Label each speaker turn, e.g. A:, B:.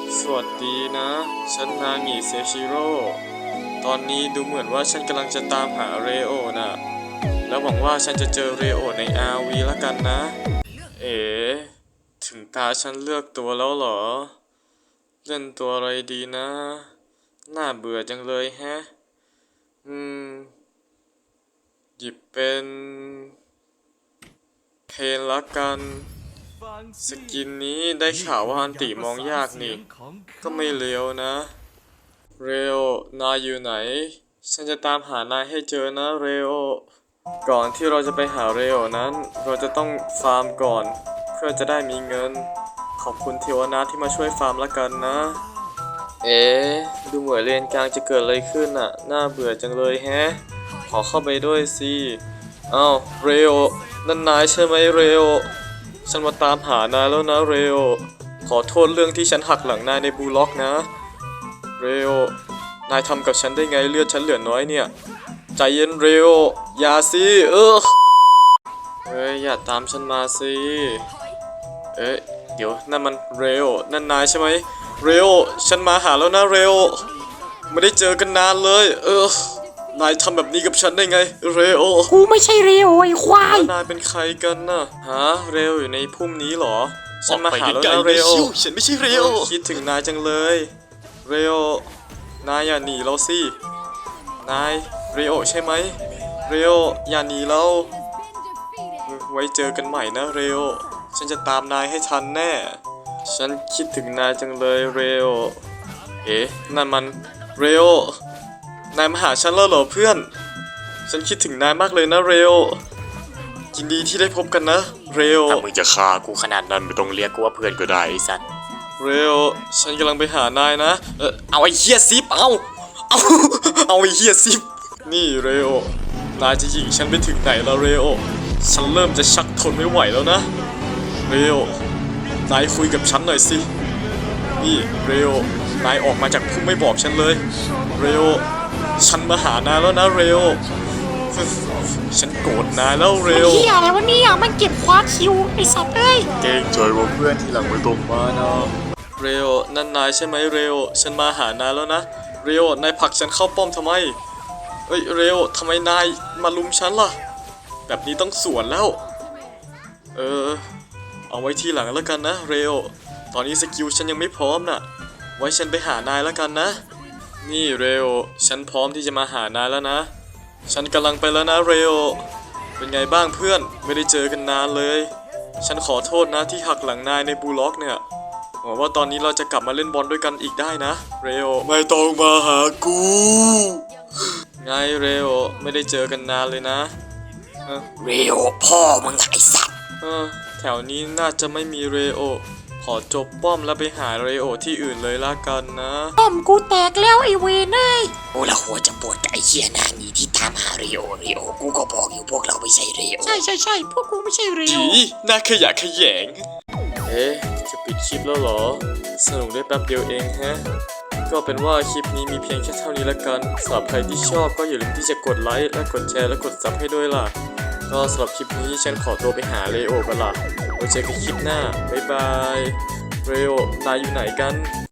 A: สวัสดีนะ ฉันนางิเซชิโร่ ตอนนี้ดูเหมือนว่าฉันกำลังจะตามหาเรโอนะแล้วหวังว่าฉันจะเจอเรโอใน RV ละกันนะ เอ๋ถึงตาฉันเลือกตัวแล้วเหรอ เล่นตัวอะไรดีนะ น่าเบื่อจังเลยแฮะ หยิบเป็นเพนละกัน สกินนี้ได้ข่าวว่าอันติมองยากนี่ ก็ไม่เลวนะ เรโอนายอยู่ไหน ฉันจะตามหานายให้เจอนะเรโอ ก่อนที่เราจะไปหาเรโอนั้น เราจะต้องฟาร์มก่อน เพื่อจะได้มีเงิน ขอบคุณเทวนาที่มาช่วยฟาร์มละกันนะ เอ๊ะดูเหมือนเลนกลางจะเกิดอะไรขึ้นอ่ะ น่าเบื่อจังเลยแฮะ ขอเข้าไปด้วยสิอ้าวเรโอนั่นนายใช่ไหมเรโอ ฉันมาตามหานายแล้วนะเรโอ ขอโทษเรื่องที่ฉันหักหลังนายในบูล็อกนะเรโอนายทำกับฉันได้ไงเลือดฉันเหลือน้อยเนี่ย ใจเย็นเรโออย่าสิเฮ้ยอย่าตามฉันมาสิเอ๊ะเดี๋ยวนั่นมันเรโอนั่นนายใช่ไหมเรโอฉันมาหาแล้วนะเรโอไม่ได้เจอกันนานเลยนายทำแบบนี้กับฉันได้ไงเรโอ
B: กูไม่ใช่เรโอไอ้ควาย
A: นายเป็นใครกันน่ะฮะเรโออยู่ในพุ่มนี้เหรอฉันมาหาแล้วนะเรโอ
C: ฉันไม่ใช่เรโอ
A: คิดถึงนายจังเลยเรโอนายอย่าหนีเราสินายเรโอใช่ไหมเรโออย่าหนีเราไว้เจอกันใหม่นะเรโอฉันจะตามนายให้ทันแน่ฉันคิดถึงนายจังเลยเรโอเอ๊ะนั่นมันเรโอนายมาหาฉันแล้วเหรอเพื่อนฉันคิดถึงนายมากเลยนะเรโอยินดีที่ได้พบกันนะเรโอ
C: ถ้ามึงจะฆ่ากูขนาดนั้นไม่ต้องเรียกกูว่าเพื่อนก็ได้ไอ้สัตว์
A: เรโอฉันกำลังไปหานายนะ
C: เอาไอ้เหี้ยซิปเอาไอ้เหี้ยซิป
A: นี่เรโอนายจะยิงฉันไปถึงไหนแล้วเรโอฉันเริ่มจะชักทนไม่ไหวแล้วนะเรโอนายคุยกับฉันหน่อยสินี่เรโอนายออกมาจากพุ่มไม่บอกฉันเลยเรโอฉันมาหานายแล้วนะเรโอฉันโกรธนายแล้วเรโอ
B: เฮียอะไรวะเนี่ยมันเก็บคว้าคิวไอ้สัตว์เอ้ย
C: เก่งใจว่าเพื่อนที่หลังไม่ตรงมานะ
A: เรโอนั่นนายใช่ไหมเรโอฉันมาหานายแล้วนะเรโอนายผลักฉันเข้าป้อมทำไมเอ้ยเรโอทำไมนายมาลุมฉันล่ะแบบนี้ต้องสวนแล้วเอาไว้ทีหลังแล้วกันนะเรโอตอนนี้สกิลฉันยังไม่พร้อมน่ะไว้ฉันไปหานายแล้วกันนะนี่เรโอฉันพร้อมที่จะมาหานายแล้วนะฉันกำลังไปแล้วนะเรโอเป็นไงบ้างเพื่อนไม่ได้เจอกันนานเลยฉันขอโทษนะที่หักหลังนายในบูล็อกเนี่ยหวังว่าตอนนี้เราจะกลับมาเล่นบอลด้วยกันอีกได้นะเรโอ
C: ไม่ต้องมาหากู
A: ไงเรโอไม่ได้เจอกันนานเลยนะ
C: เรโอพ่อมึงไอ้สัตว์
A: แถวนี้น่าจะไม่มีเรโอขอจบป้อมแล้วไปหาเรโอที่อื่นเลยละกันนะ
B: ป้อมกูแตกแล้วไอ้เวนเอ้ย
C: โอ้ละหัวจะปวดกับไอ้เหี้ยนางีที่ตามหาเรโอกูก็บอกอยู่พวกเราไม่ใช่เรโอ
B: ใช่พวกกูไม่ใช่เรโอ
A: น่าขยะแขยงจะปิดคลิปแล้วเหรอสนุกได้แป๊บเดียวเองฮะก็เป็นว่าคลิปนี้มีเพียงแค่เท่านี้ละกันสำหรับใครที่ชอบก็อย่าลืมที่จะกดไลค์และกดแชร์และกดซับให้ด้วยล่ะก็สำหรับคลิปนี้ฉันขอตัวไปหาเรโอกันล่ะไว้เจอกันคลิปหน้าบ๊ายบายเรโอนายอยู่ไหนกัน